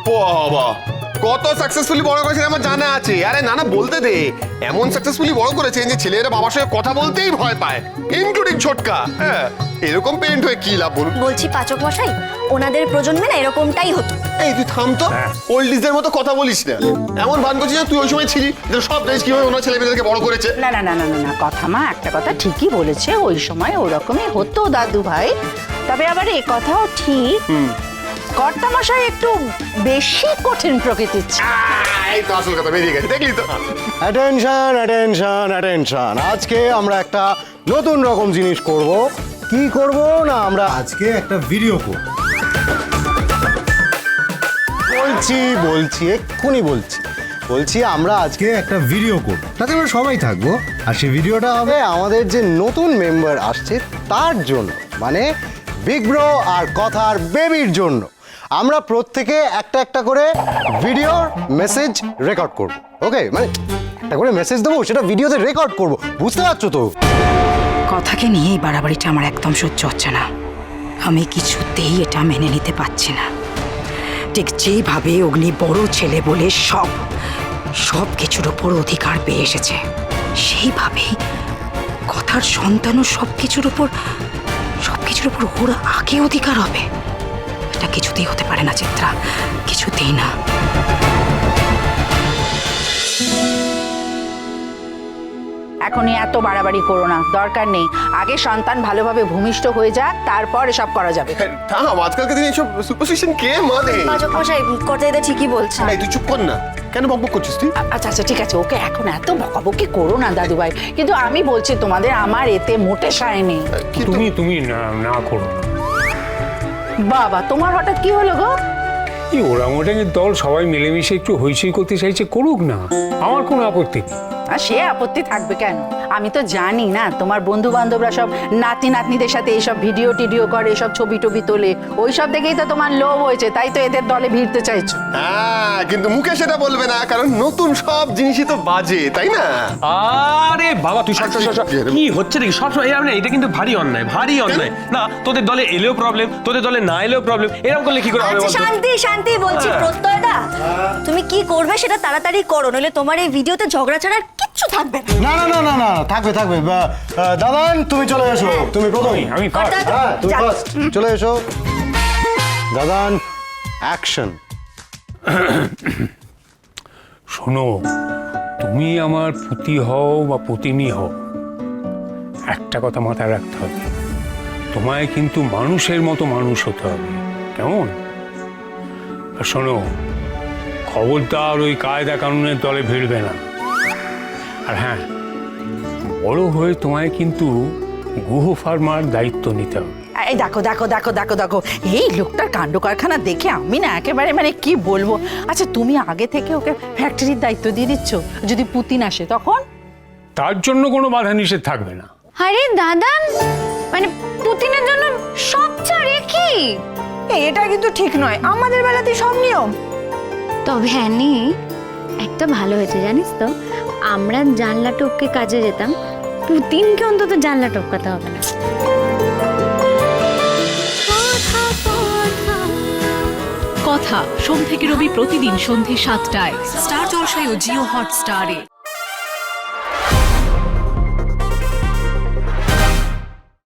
বাবা, কত সাকসেসফুলি বড় করেছেন আমার জানা আছে। আরে না না, বলতে দে। এমন সাকসেসফুলি বড় করেছেন যে ছেলেরা বাবার সঙ্গে কথা বলতেই ভয় পায়, ইনক্লুডিং ছোটকা। হ্যাঁ, এরকম পেরেন্ট হয়ে কি লাভ বলুন? বলছি পাচক মশাই, ওনাদের প্রজন্মে না এরকমটাই হতো। এই তুই থাম তো, ওল্ডিজদের মতো কথা বলিস না। এমন ভান করছিস না তুই ওই সময় ছিলি, যে সব দেশ কিভাবে ওনার ছেলেমেয়েদেরকে বড় করেছে। না না না না না না, কথা মা একটা কথা ঠিকই বলেছে, ওই সময় ওরকমই হতো দাদু ভাই। তবে আবার এ কথাও ঠিক, কর্তামশাই একটু বেশি কঠিন প্রকৃতির ছিল। এই তো আসল কথা বেরিয়ে গেছে, দেখলি তো। অ্যাটেনশন অ্যাটেনশন অ্যাটেনশন, আজকে আমরা একটা নতুন রকম জিনিস করব। কি করব না, আমরা আজকে একটা ভিডিও করব। বলছি এক্ষুনি বলছি আমরা আজকে একটা ভিডিও করব, তাতে আমরা সবাই থাকবো। আর সেই ভিডিওটা হবে আমাদের যে নতুন মেম্বার আসছে তার জন্য, মানে বিগ ব্রো আর কথার বেবির জন্য। আমরা প্রত্যেকে একটা একটা করে ভিডিও মেসেজ রেকর্ড করব। ওকে, মানে একটা করে মেসেজ দেবো, সেটা ভিডিওতে রেকর্ড করব, বুঝতে পারছো তো? কথাকে নিয়েই বাড়াবাড়িটা আমার একদম সহ্য হচ্ছে না। আমি কিছুতেই এটা মেনে নিতে পারছি না। ঠিক যেভাবে অগ্নি বড় ছেলে বলে সব কিছুর ওপর অধিকার পেয়ে এসেছে, সেইভাবেই কথার সন্তানও সব কিছুর ওপর ওর আগে অধিকার হবে। এটা কিছুতেই হতে পারে না চিত্রা, কিছুতেই না। এখনই এত বাড়াবাড়ি করো না, দরকার নেই। আগে সন্তান ভালোভাবে ভূমিষ্ঠ হয়ে যাক, তারপর এসব করা যাবে। থাম, আজকালকার দিনে এইসব সুপারস্টিশন কে মানে? পাচক মশাই, কর্তাদিদা ঠিকই বলছে। এই তুই চুপ কর না, কেন বকবক করছিস তুই? আচ্ছা আচ্ছা ঠিক আছে, ওকে এখন এত বকাবকি করো না দাদু ভাই। কিন্তু আমি বলছি তোমাদের, আমার এতে মোটে সায় নেই। তুমি না করো না। বাবা, তোমার হঠাৎ কি হলো গো? এই ওরাংওটাংয়ের দল সবাই মিলেমিশে একটু হইচই করতে চাইছে, করুক না, আমার কোনো আপত্তি নেই। আর সে আপত্তি থাকবে কেন? আমি তো জানি না তোমার বন্ধু বান্ধবরা সব নাতি নাতনিদের সাথে এইসব ভিডিও টিডিও করে, এসব ছবি টবি তোলে, ওইসব দেখেই তো তোমার লোভ হয়েছে, তাই তো এদের দলে ভিড়তে চাইছো। হ্যাঁ, কিন্তু মুখে সেটা বলবে না, কারণ নতুন সব জিনিসই তো বাজে, তাই না? আরে বাবা, তুই কি হচ্ছে দেখি সবসময় এটা কিন্তু ভারী অন্যায় না। তোদের দলে এলেও প্রবলেম, তোদের দলে না এলেও প্রবলেম, এরকম করলে কি করে হবে? আচ্ছা শান্তি বলছি। প্রত্যয়দা, তুমি কি করবে সেটা তাড়াতাড়ি করো, নইলে তোমার এই ভিডিওতে ঝগড়া ছাড়া আর কিচ্ছু থাকবে না। না না না না না, থাকবে। দাদান তুমি চলে এসো, তুমি প্রথম। আমি ফার্স্ট। হ্যাঁ, তুমি ফার্স্ট, চলে এসো। দাদান, অ্যাকশন। শোনো, তুমি আমার পুতি হও বা পুতিনি হও, একটা কথা মাথায় রাখতে হবে, তোমায় কিন্তু মানুষের মতো মানুষ হতে হবে, কেমন? আর শোনো, খবরদার ওই কায়দা কানুনের দলে ভিড়বে না। আর হ্যাঁ, বড় হয়ে তোমায় কিন্তু গুহ ফার্মার দায়িত্ব নিতে হবে। এই দেখো, এই লোকটার কাণ্ড কারখানা দেখে আমি না একেবারে মানে কি বলবো। আচ্ছা, তুমি আগে থেকে ওকে ফ্যাক্টরির দায়িত্ব দিয়ে দিচ্ছ, যদি পুতিন আসে তখন? তার জন্য কোনো বাধা নিষেধ থাকবে না। আরে দাদান, মানে পুতিনের জন্য সব ছাড়ে কি? এটা কিন্তু ঠিক নয়, আমাদের বেলাতে সব নিয়ম। তবে হ্যাঁ নি, একটা ভালো হয়েছে জানিস তো, আমরা জানলা টপকে কাজে যেতাম, পুতিনকে অন্তত জানলা টপকাতে হবে না। কথা সোম থেকে রবি প্রতিদিন সন্ধ্যে ৭টায় স্টার জলসায় ও জিও হটস্টারে।